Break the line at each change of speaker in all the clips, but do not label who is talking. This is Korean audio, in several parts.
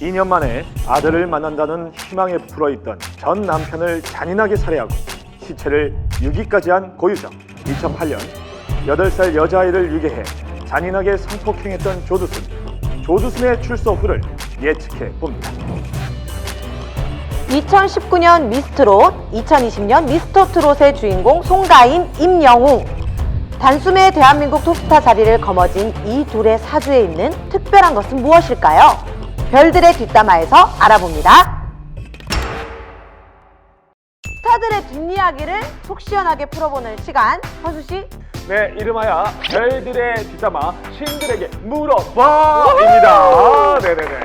2년 만에 아들을 만난다는 희망에 불어있던 전 남편을 잔인하게 살해하고 시체를 유기까지 한 고유정. 2008년 8살 여자아이를 유괴해 잔인하게 성폭행했던 조두순. 조두순의 출소 후를 예측해 봅니다.
2019년 미스트롯, 2020년 미스터트롯의 주인공 송가인, 임영웅. 단숨에 대한민국 톱스타 자리를 거머쥔 이 둘의 사주에 있는 특별한 것은 무엇일까요? 별들의 뒷담화에서 알아봅니다. 스타들의 뒷이야기를 속 시원하게 풀어보는 시간. 허수 씨.
네, 이름하여 별들의 뒷담화 신들에게 물어봐입니다. 네네네.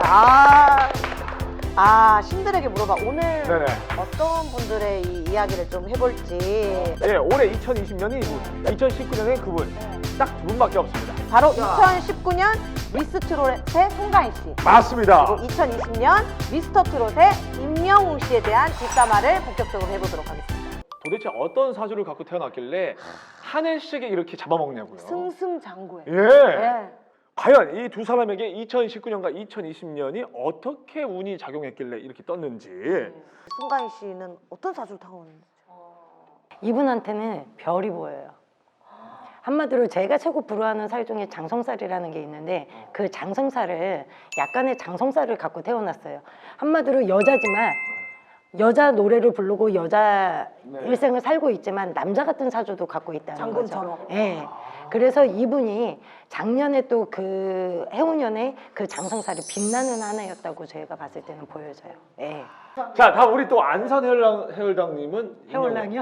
신들에게 물어봐. 오늘
네네.
어떤 분들의 이 이야기를 좀 해볼지.
네, 올해 2020년이 이분, 2019년에 그분 딱 두 분밖에 없습니다.
바로 2019년 미스트롯의 송가인 씨.
맞습니다.
그리고 2020년 미스터트롯의 임영웅 씨에 대한 뒷담화를 본격적으로 해보도록 하겠습니다.
도대체 어떤 사주를 갖고 태어났길래 한 해씩에 이렇게 잡아먹냐고요.
승승장구해.
예.
예.
과연 이 두 사람에게 2019년과 2020년이 어떻게 운이 작용했길래 이렇게 떴는지.
송가인 씨는 어떤 사주를 타고 오는지.
이분한테는 별이 보여요. 한마디로 제가 최고 부러워하는 살 중에 장성살이라는 게 있는데 그 장성살을 약간의 장성살을 갖고 태어났어요. 한마디로 여자지만 여자 노래를 부르고 여자 일생을 살고 있지만 남자 같은 사주도 갖고 있다는
장군처럼.
거죠. 예. 그래서 이분이 작년에 또 그 해운년에 그 장성살이 빛나는 한 해였다고 저희가 봤을 때는 보여져요. 예.
자, 다음 우리 또 안산 해월당님은
해월랑이요?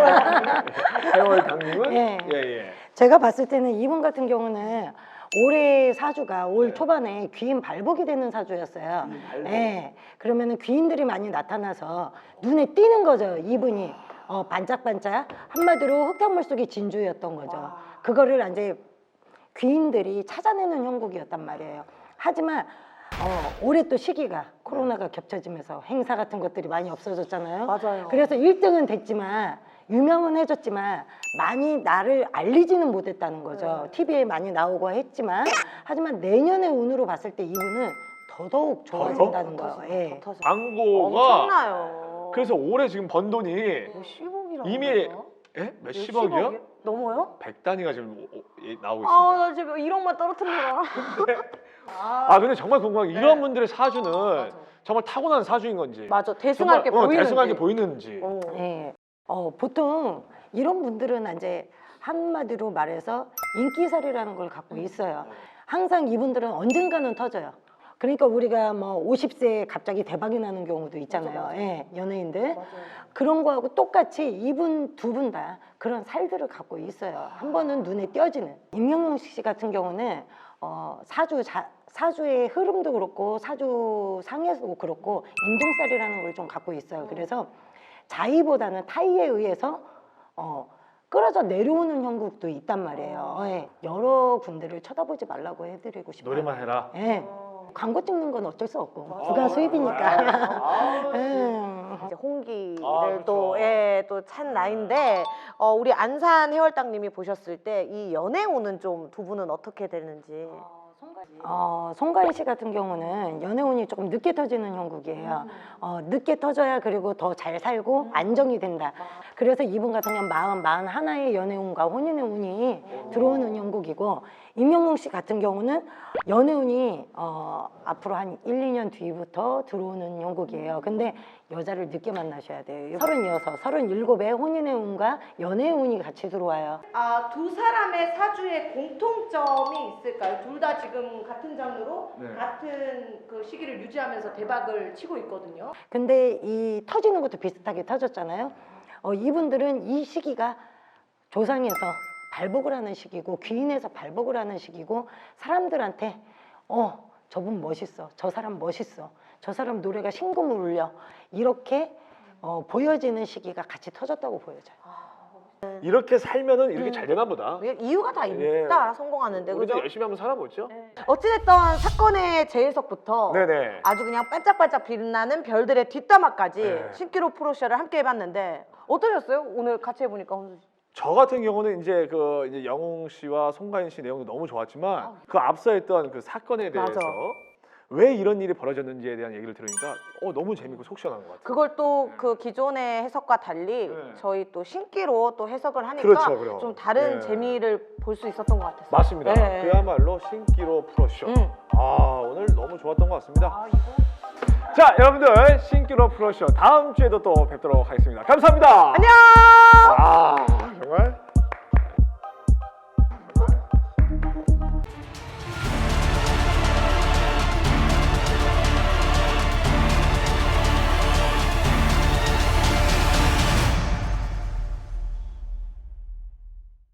해월당님은
예.
예.
제가 봤을 때는 이분 같은 경우는 올해 사주가 올 초반에 귀인 발복이 되는 사주였어요. 예. 그러면은 귀인들이 많이 나타나서 눈에 띄는 거죠. 이분이 반짝반짝 한마디로 흙탕물 속의 진주였던 거죠. 그거를 이제 귀인들이 찾아내는 형국이었단 말이에요. 하지만 올해 또 시기가 코로나가 겹쳐지면서 행사 같은 것들이 많이 없어졌잖아요.
맞아요.
그래서 1등은 됐지만 유명은 해줬지만 많이 나를 알리지는 못했다는 거죠. TV에 많이 나오고 했지만 하지만 내년의 운으로 봤을 때 이분은 더더욱 좋아진다는 거예요. 예.
광고가
엄청나요.
그래서 올해 지금 번 돈이
10억이라고.
이미 몇십억이요?
넘어요?
100단위가 지금 나오고 있습니다.
나 지금 1억만 떨어뜨려라.
근데 정말 궁금한 게 이런 분들의 사주는 정말 타고난 사주인 건지
맞아. 대승하게
정말,
보이는지.
대승하게 보이는지.
예. 보통 이런 분들은 이제 한마디로 말해서 인기살이라는 걸 갖고 있어요. 항상 이분들은 언젠가는 터져요. 그러니까 우리가 뭐 50세에 갑자기 대박이 나는 경우도 있잖아요. 예, 연예인들. 그런 거하고 똑같이 이분 두 분 다 그런 살들을 갖고 있어요. 한 번은 눈에 띄어지는. 임영웅 씨 같은 경우는 사주의 흐름도 그렇고 사주 상에서도 그렇고 인동살이라는 걸 좀 갖고 있어요. 그래서 자의보다는 타의에 의해서 끌어져 내려오는 형국도 있단 말이에요. 예. 여러 군데를 쳐다보지 말라고 해드리고 싶어요.
노래만 해라.
예. 광고 찍는 건 어쩔 수 없고 부가 수입이니까.
이제 홍기를
그렇죠.
또 찬 나이인데 우리 안산 해월당님이 보셨을 때 이 연애운은 좀 두 분은 어떻게 되는지.
송가인 씨 같은 경우는 연애운이 조금 늦게 터지는 형국이에요. 늦게 터져야 그리고 더 잘 살고 안정이 된다. 그래서 이분 같은 경우는 41의 연애운과 혼인의 운이 들어오는 형국이고 임영웅 씨 같은 경우는 연애운이 앞으로 한 1, 2년 뒤부터 들어오는 형국이에요. 근데 여자를 늦게 만나셔야 돼요. 36, 37에 혼인의 운과 연애의 운이 같이 들어와요.
두 사람의 사주에 공통점이 있을까요? 둘 다 지금 같은 장르로 같은 그 시기를 유지하면서 대박을 치고 있거든요.
근데 이 터지는 것도 비슷하게 터졌잖아요. 이분들은 이 시기가 조상에서 발복을 하는 시기고 귀인에서 발복을 하는 시기고 사람들한테 저분 멋있어, 저 사람 멋있어, 저 사람 노래가 신금을 울려 이렇게 보여지는 시기가 같이 터졌다고 보여져요.
이렇게 살면은 이렇게 잘 되나 보다.
이유가 다 있다. 성공하는데.
우리도
그죠?
열심히 한번 살아보죠.
어찌됐든 사건의 재해석부터
네네.
아주 그냥 반짝반짝 빛나는 별들의 뒷담화까지
네.
신기루 프로쇼를 함께 해봤는데 어떠셨어요? 오늘 같이 해보니까 혼수 씨.
저 같은 경우는 이제 이제 영웅 씨와 송가인 씨 내용도 너무 좋았지만 그 앞서 했던 그 사건에 대해서
맞아.
왜 이런 일이 벌어졌는지에 대한 얘기를 들으니까 너무 재밌고 속 시원한 것 같아요.
그걸 또 그 기존의 해석과 달리
네.
저희 또 신기로 또 해석을 하니까
그렇죠, 그럼.
좀 다른
네.
재미를 볼 수 있었던 것 같았어요.
맞습니다.
네.
그야말로 신기로 프로쇼.
음.
오늘 너무 좋았던 것 같습니다. 자, 여러분들 신기로 프로쇼 다음 주에도 또 뵙도록 하겠습니다. 감사합니다.
안녕.
정말